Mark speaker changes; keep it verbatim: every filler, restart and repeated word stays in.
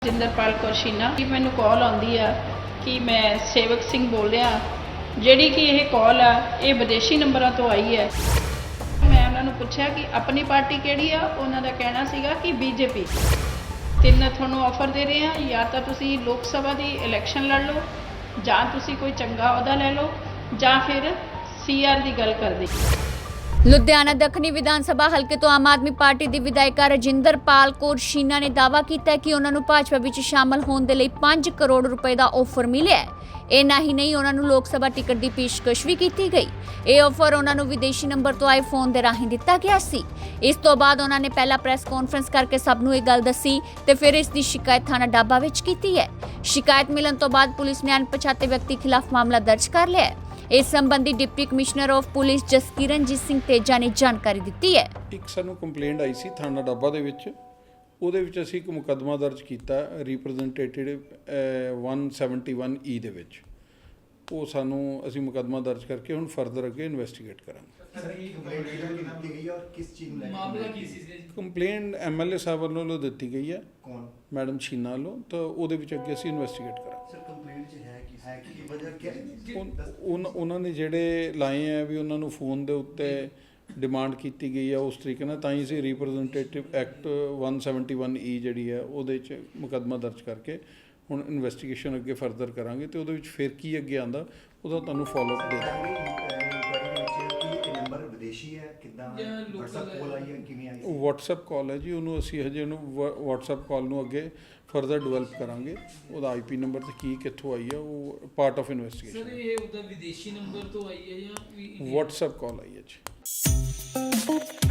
Speaker 1: ਜਿੰਦਰਪਾਲ ਕੌਰ ਸ਼ੀਨਾ ਕਿ ਮੈਨੂੰ ਕਾਲ ਆਉਂਦੀ ਆ ਕਿ ਮੈਂ ਸੇਵਕ ਸਿੰਘ ਬੋਲ ਰਿਹਾ, ਜਿਹੜੀ ਕਿ ਇਹ ਕਾਲ ਆ ਇਹ ਵਿਦੇਸ਼ੀ ਨੰਬਰਾਂ ਤੋਂ ਆਈ ਹੈ। ਮੈਂ ਉਹਨਾਂ ਨੂੰ ਪੁੱਛਿਆ ਕਿ ਆਪਣੀ ਪਾਰਟੀ ਕਿਹੜੀ ਆ, ਉਹਨਾਂ ਦਾ ਕਹਿਣਾ ਸੀਗਾ ਕਿ ਬੀਜੇਪੀ। ਤਿੰਨ ਤੁਹਾਨੂੰ ਆਫਰ ਦੇ ਰਹੇ ਆ, ਜਾਂ ਤਾਂ ਤੁਸੀਂ ਲੋਕ ਸਭਾ ਦੀ ਇਲੈਕਸ਼ਨ ਲੜ ਲਓ, ਜਾਂ ਤੁਸੀਂ ਕੋਈ ਚੰਗਾ ਅਹੁਦਾ ਲੈ ਲਓ, ਜਾਂ ਫਿਰ ਸੀ ਆਰ ਦੀ ਗੱਲ ਕਰਦੇ।
Speaker 2: ਲੁਧਿਆਣਾ ਦੱਖਣੀ ਵਿਧਾਨ ਸਭਾ ਹਲਕੇ ਤੋਂ ਆਮ ਆਦਮੀ ਪਾਰਟੀ ਦੀ ਵਿਧਾਇਕਾ ਰਜਿੰਦਰਪਾਲ ਕੌਰ ਸ਼ੀਨਾ ਨੇ ਦਾਅਵਾ ਕੀਤਾ ਹੈ ਕਿ ਉਹਨਾਂ ਨੂੰ ਭਾਜਪਾ ਵਿੱਚ ਸ਼ਾਮਲ ਹੋਣ ਦੇ ਲਈ ਪੰਜ ਕਰੋੜ ਰੁਪਏ ਦਾ ਆਫਰ ਮਿਲਿਆ ਹੈ। ਇੰਨਾ ਹੀ ਨਹੀਂ, ਉਹਨਾਂ ਨੂੰ ਲੋਕ ਸਭਾ ਟਿਕਟ ਦੀ ਪੇਸ਼ਕਸ਼ ਵੀ ਕੀਤੀ ਗਈ। ਇਹ ਆਫਰ ਉਹਨਾਂ ਨੂੰ ਵਿਦੇਸ਼ੀ ਨੰਬਰ ਤੋਂ ਆਏ ਫੋਨ ਦੇ ਰਾਹੀਂ ਦਿੱਤਾ ਗਿਆ ਸੀ। ਇਸ ਤੋਂ ਬਾਅਦ ਉਹਨਾਂ ਨੇ ਪਹਿਲਾਂ ਪ੍ਰੈਸ ਕਾਨਫਰੰਸ ਕਰਕੇ ਸਭ ਨੂੰ ਇਹ ਗੱਲ ਦੱਸੀ ਤੇ ਫਿਰ ਇਸ ਦੀ ਸ਼ਿਕਾਇਤ ਥਾਣਾ ਡਾਬਾ ਵਿੱਚ ਕੀਤੀ ਹੈ। ਸ਼ਿਕਾਇਤ ਮਿਲਣ ਤੋਂ ਬਾਅਦ ਪੁਲਿਸ ਨੇ ਅਣਪਛਾਤੇ ਵਿਅਕਤੀ ਖਿਲਾਫ ਮਾਮਲਾ ਦਰਜ ਕਰ ਲਿਆ ਹੈ। ਇਸ ਸੰਬੰਧੀ deputy commissioner of police Jaskiranjit Singh Teja ਨੇ ਜਾਣਕਾਰੀ ਦਿੱਤੀ ਹੈ।
Speaker 3: ਇੱਕ ਸਾਨੂੰ ਕੰਪਲੇਂਟ ਆਈ ਸੀ ਥਾਣਾ ਡਾਬਾ ਦੇ ਵਿੱਚ, ਉਹਦੇ ਵਿੱਚ ਅਸੀਂ ਇੱਕ ਮੁਕੱਦਮਾ ਦਰਜ ਕੀਤਾ ਰਿਪਰੈਜ਼ੈਂਟੇਟਿਵ ਇੱਕ ਸੌ ਇਕਹੱਤਰ ਈ ਦੇ ਵਿੱਚ। ਉਹ ਸਾਨੂੰ ਅਸੀਂ ਮੁਕੱਦਮਾ ਦਰਜ ਕਰਕੇ ਹੁਣ ਫਰਦਰ ਅੱਗੇ ਇਨਵੈਸਟੀਗੇਟ ਕਰਾਂਗੇ। ਕੰਪਲੇਂਟ ਐਮ ਐਲ ਏ ਸਾਹਿਬ ਵੱਲੋਂ ਦਿੱਤੀ ਗਈ ਹੈ, ਕੌਣ ਮੈਡਮ ਸ਼ੀਨਾ ਵੱਲੋਂ, ਤਾਂ ਉਹਦੇ ਵਿੱਚ ਅੱਗੇ ਅਸੀਂ ਇਨਵੈਸਟੀਗੇਟ ਕਰਾਂਗੇ। ਉਹਨਾਂ ਨੇ ਜਿਹੜੇ ਲਾਏ ਆ ਵੀ ਉਹਨਾਂ ਨੂੰ ਫੋਨ ਦੇ ਉੱਤੇ ਡਿਮਾਂਡ ਕੀਤੀ ਗਈ ਆ, ਉਸ ਤਰੀਕੇ ਨਾਲ ਤਾਂ ਹੀ ਅਸੀਂ ਰਿਪਰੈਜ਼ੈਂਟੇਟਿਵ ਐਕਟ ਇੱਕ ਸੌ ਇਕਹੱਤਰ ਈ ਜਿਹੜੀ ਹੈ ਉਹਦੇ 'ਚ ਮੁਕੱਦਮਾ ਦਰਜ ਕਰਕੇ ਹੁਣ ਇਨਵੈਸਟੀਗੇਸ਼ਨ ਅੱਗੇ ਫਰਦਰ ਕਰਾਂਗੇ ਤੇ ਉਹਦੇ ਵਿੱਚ ਫਿਰ ਕੀ ਅੱਗੇ ਆਉਂਦਾ ਉਹਦਾ ਤੁਹਾਨੂੰ ਫੋਲੋ ਅਪ ਦੇ ਦਾਂਗੇ। ਵਟਸਐਪ ਕਾਲ ਹੈ ਜੀ, ਉਹਨੂੰ ਅਸੀਂ ਹਜੇ ਉਹਨੂੰ ਵਟਸਐਪ ਕਾਲ ਨੂੰ ਅੱਗੇ ਫਰਦਰ ਡਿਵੈਲਪ ਕਰਾਂਗੇ। ਉਹਦਾ ਆਈ ਪੀ ਨੰਬਰ ਤੇ ਕੀ ਕਿੱਥੋਂ ਆਈ ਹੈ ਉਹ ਪਾਰਟ ਆਫ ਇਨਵੈਸਟੀਗੇਸ਼ਨ।
Speaker 4: ਸਰ ਇਹ ਉਹਦਾ ਵਿਦੇਸ਼ੀ ਨੰਬਰ ਤੋਂ ਆਈ ਹੈ ਜਾਂ
Speaker 3: ਵਟਸਐਪ ਕਾਲ ਆਈ ਹੈ ਜੀ।